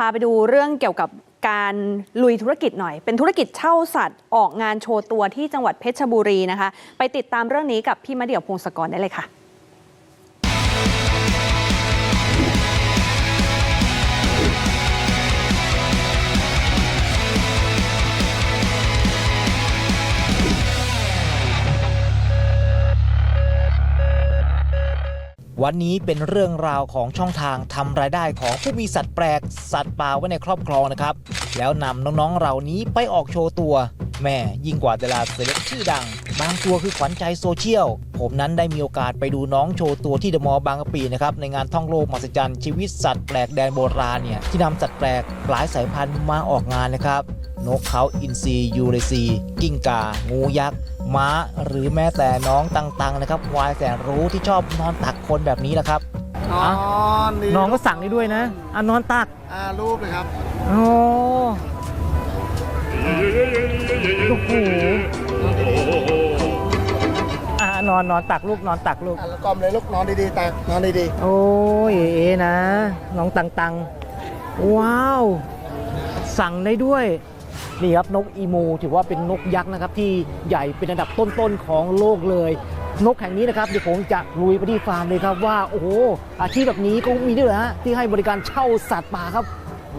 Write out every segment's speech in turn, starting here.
าไปดูเรื่องเกี่ยวกับการลุยธุรกิจหน่อยเป็นธุรกิจเช่าสัตว์ออกงานโชว์ตัวที่จังหวัดเพชรบุรีนะคะไปติดตามเรื่องนี้กับพี่มะเดี่ยวพงศกรได้เลยค่ะวันนี้เป็นเรื่องราวของช่องทางทำรายได้ของผู้มีสัตว์แปลกสัตว์ป่าไว้ในครอบครองนะครับแล้วนำน้องๆเหล่านี้ไปออกโชว์ตัวแม่ยิ่งกว่าดาราเซเลบชื่อดังบางตัวคือขวัญใจโซเชียลผมนั้นได้มีโอกาสไปดูน้องโชว์ตัวที่เดอะมอลล์บางกะปินะครับในงานท่องโลกมหัศจรรย์ชีวิตสัตว์แปลกแดนโบราณเนี่ยที่นำสัตว์แปลกหลายสายพันธุ์มาออกงานนะครับนกเขาอินทรียูเรซีกิ้งก่างูยักษ์ม้าหรือแม้แต่น้องตังๆนะครับควายแสนรู้ที่ชอบนอนตักคนแบบนี้แหละครับน้องก็สั่งได้ด้วยนะนอนตักรูปเลยครับโอ้โหนอนตักลูกนอนตักลูกแล้วกลมเลยลูกนอนดีๆตักนอนดีๆโอ้ยนะน้องตังว้าวสั่งได้ด้วยนี่ครับนกอีมูถือว่าเป็นนกยักษ์นะครับที่ใหญ่เป็นอันดับต้นๆของโลกเลยนกแห่งนี้นะครับเดี๋ยวผมจะลุยไปที่ฟาร์มเลยครับว่าโอ้โหอาชีพแบบนี้ก็มีด้วยเหรอฮะที่ให้บริการเช่าสัตว์ป่าครับ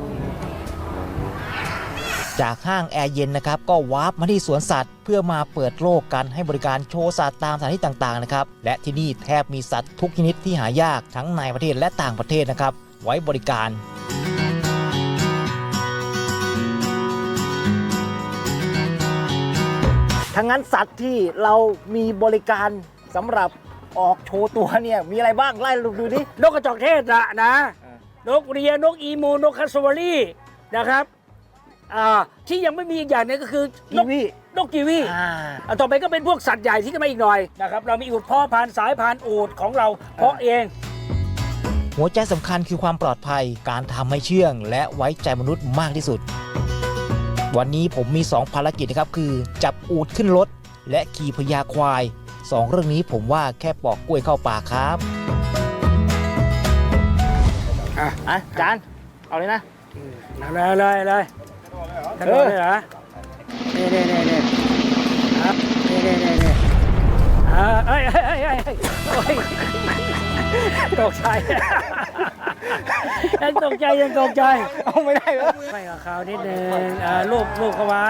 จากห้างแอร์เย็นนะครับก็วาร์ปมาที่สวนสัตว์เพื่อมาเปิดโลกกันให้บริการโชว์สัตว์ตามสถานที่ต่างๆนะครับและที่นี่แทบมีสัตว์ทุกชนิดที่หายากทั้งในประเทศและต่างประเทศนะครับไว้บริการทั้งนั้นสัตว์ที่เรามีบริการสำหรับออกโชว์ตัวเนี่ยมีอะไรบ้างไล่ดูดินกกระจอกเทศนะนกเรียนกอีมูนกคัสซาวารีนะครับที่ยังไม่มีอีกอย่างนึงก็คือนกกีวีต่อไปก็เป็นพวกสัตว์ใหญ่ที่จะมาอีกหน่อยนะครับเรามีอูฐพ่อพันธุ์สายพันธุ์อูฐของเราเพาะเองหัวใจสำคัญคือความปลอดภัยการทำให้เชื่องและไว้ใจมนุษย์มากที่สุดวันนี้ผมมี2ภารกิจนะครับคือจับอูฐขึ้นรถและขี่พญาควาย2เรื่องนี้ผมว่าแค่ปอกกล้วยเข้าปากครับจานเอาเลยนะเลยกระโดดเลยเหรอนี่ครับนี่เอ้ยตกใจยังตกใจเอาไม่ได้เหรอไม่กับเขานิดนึงลูกเขาไว้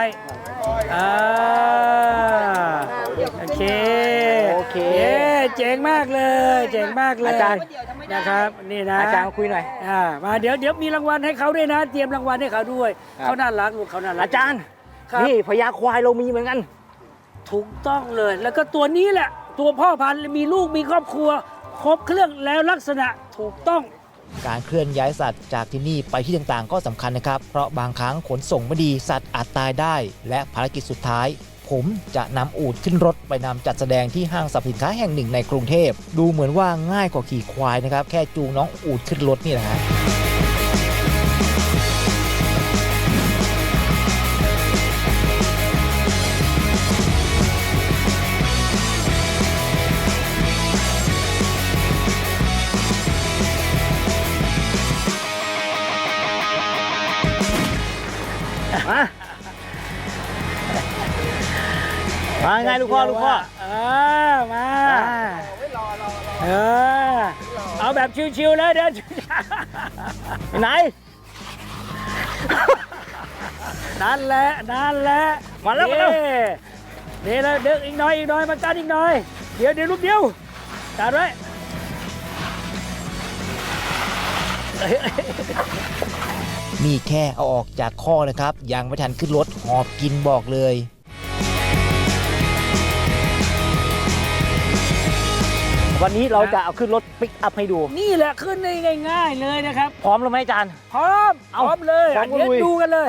โอเคเจ๋งมากเลยอาจารย์นะครับนี่นะอาจารย์มาคุยหน่อยมาเดี๋ยวมีรางวัลให้เขาด้วยนะเตรียมรางวัลให้เขาด้วยเขาน่ารักลูกเขาน่ารักอาจารย์นี่พญาควายเรามีเหมือนกันถูกต้องเลยแล้วก็ตัวนี้แหละตัวพ่อพันธุ์มีลูกมีครอบครัวครบเครื่องแล้วลักษณะถูกต้องการเคลื่อนย้ายสัตว์จากที่นี่ไปที่ต่างๆก็สำคัญนะครับเพราะบางครั้งขนส่งไม่ดีสัตว์อาจตายได้และภารกิจสุดท้ายผมจะนำอูฐขึ้นรถไปนำจัดแสดงที่ห้างสรรพสินค้าแห่งหนึ่งในกรุงเทพดูเหมือนว่าง่ายกว่าขี่ควายนะครับแค่จูงน้องอูฐขึ้นรถนี่แหละฮะมาไงลูกพ่อมาเอาแบบชิวๆเลยเดี๋ยวไหนนั่นแหละมาแล้วนี่เลยเด็กอีกหน่อยมากันอีกหน่อยเดี๋ยวลูกเดียวจัดไว้นี่แค่เอาออกจากข้อนะครับยังไม่ทันขึ้นรถหอบกินบอกเลยวันนี้เราจะเอาขึ้นรถปิกอัพให้ดูนี่แหละขึ้นได้ง่ายๆเลยนะครับพร้อมแล้วไหมอาจารย์พร้อมเลยเดี๋ยวดูกันเลย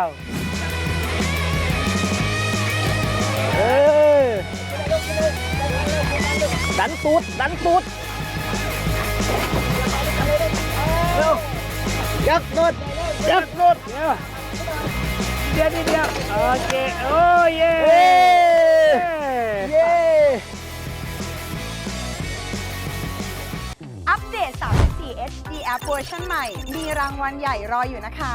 ดันตูดเร็วยักษ์รถเดี๋ยวโอเคโอ้เย่อัปเดต34 4 HD App เวอร์ชันใหม่ มีรางวัลใหญ่รออยู่นะคะ